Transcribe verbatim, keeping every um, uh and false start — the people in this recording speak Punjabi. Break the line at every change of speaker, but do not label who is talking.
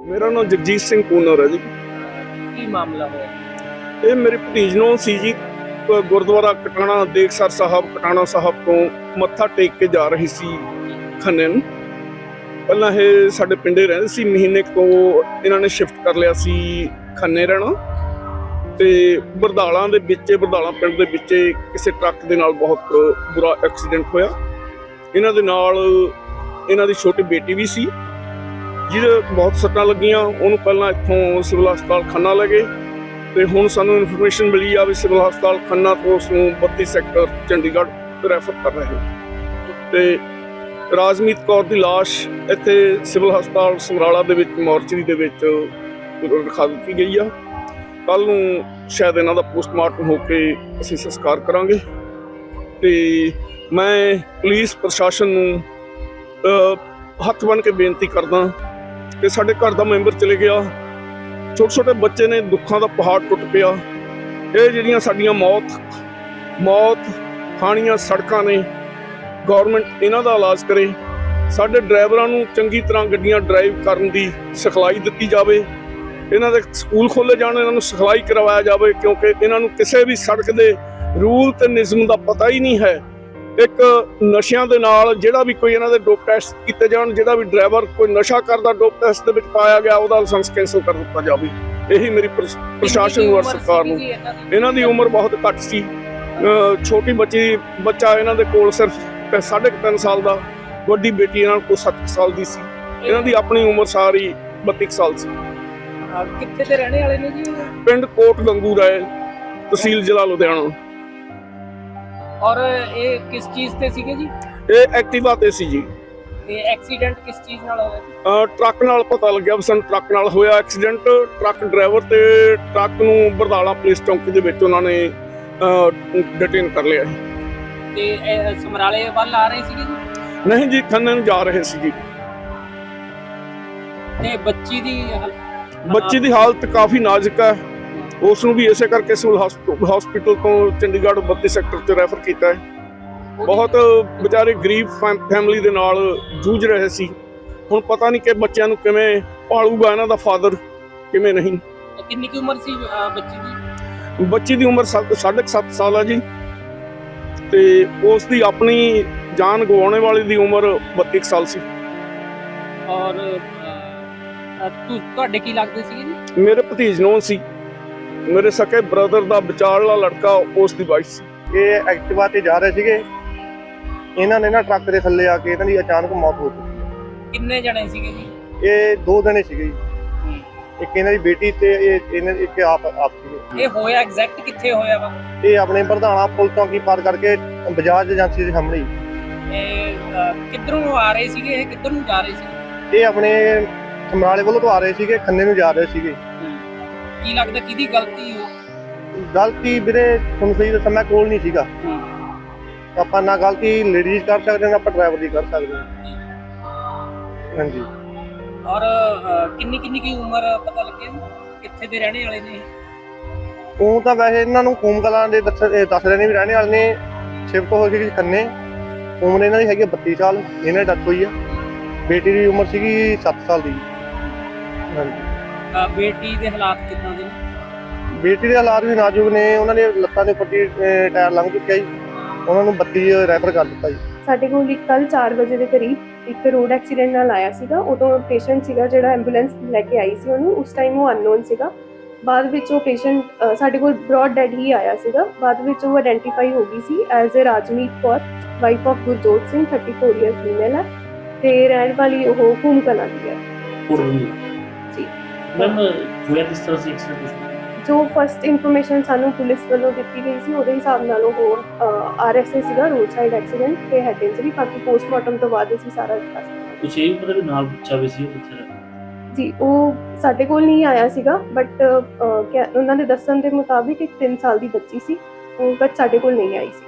ਮੇਰਾ ਨਾਮ ਜਗਜੀਤ ਸਿੰਘ ਕੂਨਰ ਹੈ ਜੀ।
ਕੀ ਮਾਮਲਾ ਹੋਇਆ?
ਇਹ ਮੇਰੇ ਭਤੀਜ ਨੂੰ ਸੀ ਜੀ, ਗੁਰਦੁਆਰਾ ਕਟਾਣਾ ਦੇਖਸਰ ਸਾਹਿਬ ਕਟਾਣਾ ਸਾਹਿਬ ਤੋਂ ਮੱਥਾ ਟੇਕ ਕੇ ਜਾ ਰਹੀ ਸੀ ਖੰਨੇ ਨੂੰ। ਪਹਿਲਾਂ ਇਹ ਸਾਡੇ ਪਿੰਡੇ ਰਹਿੰਦੇ ਸੀ, ਮਹੀਨੇ ਤੋਂ ਇਹਨਾਂ ਨੇ ਸ਼ਿਫਟ ਕਰ ਲਿਆ ਸੀ ਖੰਨੇ ਰਹਿਣਾ। ਤੇ ਬਰਦਾਲਾਂ ਦੇ ਵਿੱਚ ਬਰਦਾਲਾਂ ਪਿੰਡ ਦੇ ਵਿੱਚ ਕਿਸੇ ਟਰੱਕ ਦੇ ਨਾਲ ਬਹੁਤ ਬੁਰਾ ਐਕਸੀਡੈਂਟ ਹੋਇਆ। ਇਹਨਾਂ ਦੇ ਨਾਲ ਇਹਨਾਂ ਦੀ ਛੋਟੀ ਬੇਟੀ ਵੀ ਸੀ ਜਿਹਦੇ ਬਹੁਤ ਸੱਟਾਂ ਲੱਗੀਆਂ। ਉਹਨੂੰ ਪਹਿਲਾਂ ਇੱਥੋਂ ਸਿਵਲ ਹਸਪਤਾਲ ਖੰਨਾ ਲੈ ਗਏ ਤੇ ਹੁਣ ਸਾਨੂੰ ਇਨਫੋਰਮੇਸ਼ਨ ਮਿਲੀ ਆ ਵੀ ਸਿਵਲ ਹਸਪਤਾਲ ਖੰਨਾ ਤੋਂ ਉਸ ਨੂੰ ਬੱਤੀ ਸੈਕਟਰ ਚੰਡੀਗੜ੍ਹ ਰੈਫਰ ਕਰ ਰਹੇ ਨੇ। ਤੇ ਰਾਜਮੀਤ ਕੌਰ ਦੀ ਲਾਸ਼ ਇੱਥੇ ਸਿਵਲ ਹਸਪਤਾਲ ਸਮਰਾਲਾ ਦੇ ਵਿੱਚ ਮੋਰਚਰੀ ਦੇ ਵਿੱਚ ਰਖਾ ਦਿੱਤੀ ਗਈ ਆ। ਕੱਲ੍ਹ ਨੂੰ ਸ਼ਾਇਦ ਇਹਨਾਂ ਦਾ ਪੋਸਟਮਾਰਟਮ ਹੋ ਕੇ ਅਸੀਂ ਸੰਸਕਾਰ ਕਰਾਂਗੇ। ਤੇ ਮੈਂ ਪੁਲਿਸ ਪ੍ਰਸ਼ਾਸਨ ਨੂੰ ਹੱਥ ਬੰਨ੍ਹ ਕੇ ਬੇਨਤੀ ਕਰਦਾ ਕਿ ਸਾਡੇ ਘਰ ਦਾ ਮੈਂਬਰ ਚਲੇ ਗਿਆ, ਛੋਟੇ ਛੋਟੇ ਬੱਚੇ ਨੇ, ਦੁੱਖਾਂ ਦਾ ਪਹਾੜ ਟੁੱਟ ਪਿਆ। ਇਹ ਜਿਹੜੀਆਂ ਸਾਡੀਆਂ ਮੌਤ ਮੌਤ ਖਾਣੀਆਂ ਸੜਕਾਂ ਨੇ, ਗੌਰਮੈਂਟ ਇਹਨਾਂ ਦਾ ਇਲਾਜ ਕਰੇ। ਸਾਡੇ ਡਰਾਈਵਰਾਂ ਨੂੰ ਚੰਗੀ ਤਰ੍ਹਾਂ ਗੱਡੀਆਂ ਡਰਾਈਵ ਕਰਨ ਦੀ ਸਿਖਲਾਈ ਦਿੱਤੀ ਜਾਵੇ। ਇਹਨਾਂ ਦੇ ਸਕੂਲ ਖੋਲ੍ਹੇ ਜਾਣ, ਇਹਨਾਂ ਨੂੰ ਸਿਖਲਾਈ ਕਰਵਾਇਆ ਜਾਵੇ, ਕਿਉਂਕਿ ਇਹਨਾਂ ਨੂੰ ਕਿਸੇ ਵੀ ਸੜਕ ਦੇ ਰੂਲ ਤੇ ਨਿਯਮ ਦਾ ਪਤਾ ਹੀ ਨਹੀਂ ਹੈ। ਇੱਕ ਨਸ਼ਿਆਂ ਦੇ ਨਾਲ ਜਿਹੜਾ ਵੀ ਕੋਈ ਇਹਨਾਂ ਦੇ ਡੋਪ ਟੈਸਟ ਕੀਤੇ ਜਾਣ, ਜਿਹੜਾ ਵੀ ਡਰਾਈਵਰ ਕੋਈ ਨਸ਼ਾ ਕਰਦਾ ਡੋਪ ਟੈਸਟ ਦੇ ਵਿੱਚ ਪਾਇਆ ਗਿਆ ਉਹਦਾ ਲਾਇਸੈਂਸ ਕੈਂਸਲ ਕਰ ਦਿੱਤਾ ਜਾਵੇ। ਇਹੀ ਮੇਰੀ ਪ੍ਰਸ਼ਾਸਨ ਨੂੰ ਔਰ ਸਰਕਾਰ ਨੂੰ। ਇਹਨਾਂ ਦੀ ਉਮਰ ਬਹੁਤ ਘੱਟ ਸੀ, ਛੋਟੀ ਬੱਚੀ ਬੱਚਾ ਇਹਨਾਂ ਦੇ ਕੋਲ ਸਿਰਫ ਸਾਢੇ ਤਿੰਨ ਸਾਲ ਦਾ, ਵੱਡੀ ਬੇਟੀ ਇਹਨਾਂ ਕੋਲ ਸੱਤ ਸਾਲ ਦੀ ਸੀ। ਇਹਨਾਂ ਦੀ ਆਪਣੀ ਉਮਰ ਸਾਰੀ ਬੱਤੀ ਸਾਲ ਸੀ।
ਕਿੱਥੇ ਦੇ ਰਹਿਣੇ ਵਾਲੇ ਨੇ ਜੀ?
ਪਿੰਡ ਕੋਟ ਗੰਗੂ ਰਾਏ, ਤਹਿਸੀਲ ਜ਼ਿਲ੍ਹਾ ਲੁਧਿਆਣਾ।
ਔਰ ਇਹ ਕਿਸ ਚੀਜ਼ ਤੇ ਸੀਗੇ ਜੀ?
ਇਹ ਐਕਟਿਵਾ ਤੇ ਸੀ ਜੀ।
ਤੇ ਐਕਸੀਡੈਂਟ ਕਿਸ ਚੀਜ਼ ਨਾਲ ਹੋਇਆ?
ਟਰੱਕ ਨਾਲ ਪਤਾ ਲੱਗਿਆ ਵੀ ਸਾਨੂੰ ਟਰੱਕ ਨਾਲ ਹੋਇਆ ਐਕਸੀਡੈਂਟ। ਟਰੱਕ ਡਰਾਈਵਰ ਤੇ ਟਰੱਕ ਨੂੰ ਬਰਦਾਲਾ ਪੁਲਿਸ ਚੌਂਕੀ ਦੇ ਵਿੱਚ ਉਹਨਾਂ ਨੇ ਡਿਟੇਨ ਕਰ ਲਿਆ।
ਤੇ ਸਮਰਾਲੇ ਵੱਲ ਆ ਰਹੇ ਸੀਗੇ ਜੀ?
ਨਹੀਂ ਜੀ, ਖੰਨੇ ਨੂੰ ਜਾ ਰਹੇ ਸੀ ਜੀ।
ਤੇ ਬੱਚੀ ਦੀ
ਬੱਚੀ ਦੀ ਹਾਲਤ ਕਾਫੀ ਨਾਜ਼ੁਕ ਹੈ। ਉਸ ਨੂੰ ਵੀ ਇਸੇ ਕਰਕੇ ਸਿਵਲ ਹਸਪੀਟਲ ਤੋਂ ਚੰਡੀਗੜ੍ਹ ਬੱਤੀ ਸੈਕਟਰ 'ਚ ਰੈਫਰ ਕੀਤਾ ਹੈ। ਬਹੁਤ ਵਿਚਾਰੇ ਗਰੀਬ ਫੈਮਿਲੀ ਦੇ ਨਾਲ ਜੂਝ ਰਹੇ ਸੀ। ਹੁਣ ਪਤਾ ਨਹੀਂ ਕਿ ਬੱਚਿਆਂ ਨੂੰ ਕਿਵੇਂ ਪਾਲੂਗਾ ਇਹਨਾਂ ਦਾ ਫਾਦਰ, ਕਿਵੇਂ ਨਹੀਂ।
ਕਿੰਨੀ ਕੁ ਉਮਰ ਸੀ ਬੱਚੀ ਦੀ?
ਬੱਚੀ ਦੀ ਉਮਰ ਸਾਢੇ ਸੱਤ ਸਾਲ ਹੈ ਜੀ। ਤੇ ਉਸ ਦੀ ਆਪਣੀ ਜਾਨ ਗਵਾਉਣੇ ਵਾਲੀ ਦੀ ਉਮਰ ਬੱਤੀ ਸਾਲ ਸੀ।
ਔਰ ਤੁਹਾਡੇ ਕੀ ਲੱਗਦੇ ਸੀਗੇ ਜੀ?
ਮੇਰੇ ਭਤੀਜ ਨੂੰ ਸੀ, ਮੇਰੇ ਸਕੇ ਬ੍ਰਦਰ ਦਾ ਵਿਚਾਰਲਾ ਲੜਕਾ, ਉਸ ਦੀ ਵਾਈਫ ਸੀ।
ਇਹ ਐਕਟਿਵਾ ਤੇ ਜਾ ਰਹੇ ਸੀਗੇ, ਇਹਨਾਂ ਨੇ ਨਾ ਟਰੱਕ ਦੇ ਥੱਲੇ ਆ ਕੇ ਇਹਨਾਂ ਦੀ ਅਚਾਨਕ ਮੌਤ ਹੋ ਚੁੱਕੀ ਹੈ।
ਕਿੰਨੇ ਜਣੇ ਸੀਗੇ ਜੀ?
ਇਹ ਦੋ ਜਣੇ ਸੀਗੇ ਜੀ, ਇੱਕ ਇਹਨਾਂ ਦੀ ਬੇਟੀ ਤੇ ਇਹ ਇਹਨਾਂ ਇੱਕ ਆਪ ਆਪ ਸੀਗੇ।
ਇਹ ਹੋਇਆ ਐਗਜ਼ੈਕਟ ਕਿੱਥੇ ਹੋਇਆ ਵਾ?
ਇਹ ਆਪਣੇ ਪ੍ਰਧਾਨਾ ਪੁਲ ਚੌਂਕੀ ਪਾਰ ਕਰਕੇ ਬਜਾਜ ਏਜੰਸੀ ਦੇ ਸਾਹਮਣੇ।
ਇਹ ਕਿੱਧਰੋਂ ਆ ਰਹੇ ਸੀਗੇ? ਇਹ ਕਿੱਧਰ ਨੂੰ ਜਾ ਰਹੇ ਸੀ?
ਇਹ ਆਪਣੇ ਸਮਰਾਲੇ ਵੱਲੋਂ ਤੋਂ ਆ ਰਹੇ ਸੀਗੇ, ਖੰਨੇ ਨੂੰ ਜਾ ਰਹੇ ਸੀਗੇ।
ਕੀ ਲੱਗਦਾ ਕਿਹਦੀ ਗਲਤੀ ਹੋ?
ਗਲਤੀ ਵੀਰੇ ਤੁਹਾਨੂੰ ਸਹੀ ਦੱਸਾਂ, ਮੈਂ ਕੋਲ ਨਹੀਂ ਸੀਗਾ। ਆਪਾਂ ਨਾ ਗਲਤੀ ਲੇਡੀਜ਼ ਕਰ ਸਕਦੇ ਨਾ ਆਪਾਂ ਡਰਾਈਵਰ ਦੀ ਕਰ ਸਕਦੇ ਹਾਂ। ਹਾਂਜੀ।
ਔਰ ਕਿੰਨੀ ਕਿੰਨੀ ਕੀ ਉਮਰ ਪਤਾ ਲੱਗਿਆ? ਕਿੱਥੇ ਦੇ ਰਹਿਣੇ ਵਾਲੇ ਨੇ?
ਉਹ ਤਾਂ ਵੈਸੇ ਇਹਨਾਂ ਨੂੰ ਕੂਮ ਕਲਾਂ ਦੇ ਦੱਸ ਦੱਸ ਰਹੇ ਨੇ ਵੀ ਰਹਿਣੇ ਵਾਲੇ ਨੇ। ਸ਼ਿਫਟ ਹੋ ਗਈ ਖੰਨੇ। ਉਮਰ ਇਹਨਾਂ ਦੀ ਹੈਗੀ ਬੱਤੀ ਸਾਲ, ਇਹਨਾਂ ਦੀ ਡੈਥ ਹੋਈ ਆ। ਬੇਟੀ ਦੀ ਉਮਰ ਸੀਗੀ ਸੱਤ ਸਾਲ ਦੀ। ਹਾਂਜੀ।
ਬੇਟੀ ਦੇ ਹਾਲਾਤ ਕਿੱਦਾਂ ਦੇ ਨੇ?
ਬੇਟੀ ਦੇ ਹਾਲਾਤ ਵੀ ਨਾਜ਼ੁਕ ਨੇ। ਉਹਨਾਂ ਦੇ ਲੱਤਾਂ ਦੇ ਉੱਪਰ ਦੀ ਟਾਇਰ ਲੰਘ ਚੁੱਕਿਆ ਜੀ, ਉਹਨਾਂ ਨੂੰ ਬੱਤੀ ਰੈਫਰ ਕਰ ਦਿੱਤਾ ਜੀ।
ਸਾਡੇ ਕੋਲ ਇੱਕ ਕੱਲ੍ਹ ਚਾਰ ਵਜੇ ਦੇ ਕਰੀਬ ਇੱਕ ਰੋਡ ਐਕਸੀਡੈਂਟ ਨਾਲ ਆਇਆ ਸੀਗਾ। ਉਦੋਂ ਪੇਸ਼ੈਂਟ ਸੀਗਾ ਜਿਹੜਾ ਐਂਬੂਲੈਂਸ ਲੈ ਕੇ ਆਈ ਸੀ ਉਹਨੂੰ, ਉਸ ਟਾਈਮ ਉਹ ਅਨਨੋਨ ਸੀਗਾ। ਬਾਅਦ ਵਿੱਚ ਉਹ ਪੇਸ਼ੈਂਟ ਸਾਡੇ ਕੋਲ ਬ੍ਰੌਡ ਡੈਡ ਹੀ ਆਇਆ ਸੀਗਾ। ਬਾਅਦ ਵਿੱਚ ਉਹ ਆਇਡੈਂਟੀਫਾਈ ਹੋ ਗਈ ਸੀ as a Rajmeet Kaur, wife of Gurjot Singh, thirty four year female ਹੈ ਤੇ ਰਹਿਣ ਵਾਲੀ ਉਹ ਕੂਮ ਕਲਾਂ ਦੀ ਹੈ ਜੀ।
ਮੈਮ ਹੋਇਆ ਕਿਸ ਤਰ੍ਹਾਂ ਸੀ ਐਕਸੀਡੈਂਟ?
ਜੋ ਫਸਟ ਇਨਫੋਰਮੇਸ਼ਨ ਸਾਨੂੰ ਪੁਲਿਸ ਵੱਲੋਂ ਦਿੱਤੀ ਗਈ ਸੀ ਉਹਦੇ ਹਿਸਾਬ ਨਾਲ ਉਹ ਆਰ ਐਸ ਏ ਸੀਗਾ, ਰੋਡ ਸਾਈਡ ਐਕਸੀਡੈਂਟ ਤੇ ਹੈਡ ਇੰਜਰੀ। ਬਾਕੀ ਪੋਸਟਮਾਰਟਮ ਤੋਂ ਬਾਅਦ ਅਸੀਂ ਸਾਰਾ ਦੱਸ ਦਿੰਦੇ।
ਕੁਛ ਇਹ ਪਤਾ ਵੀ ਨਾਲ ਬੱਚਾ ਵੀ ਸੀ ਉਹ ਕਿੱਥੇ ਦਾ?
ਜੀ ਉਹ ਸਾਡੇ ਕੋਲ ਨਹੀਂ ਆਇਆ ਸੀਗਾ, ਬਟ ਉਹਨਾਂ ਦੇ ਦੱਸਣ ਦੇ ਮੁਤਾਬਿਕ ਇੱਕ ਤਿੰਨ ਸਾਲ ਦੀ ਬੱਚੀ ਸੀ, ਉਹ ਬਟ ਸਾਡੇ ਕੋਲ ਨਹੀਂ ਆਈ ਸੀ।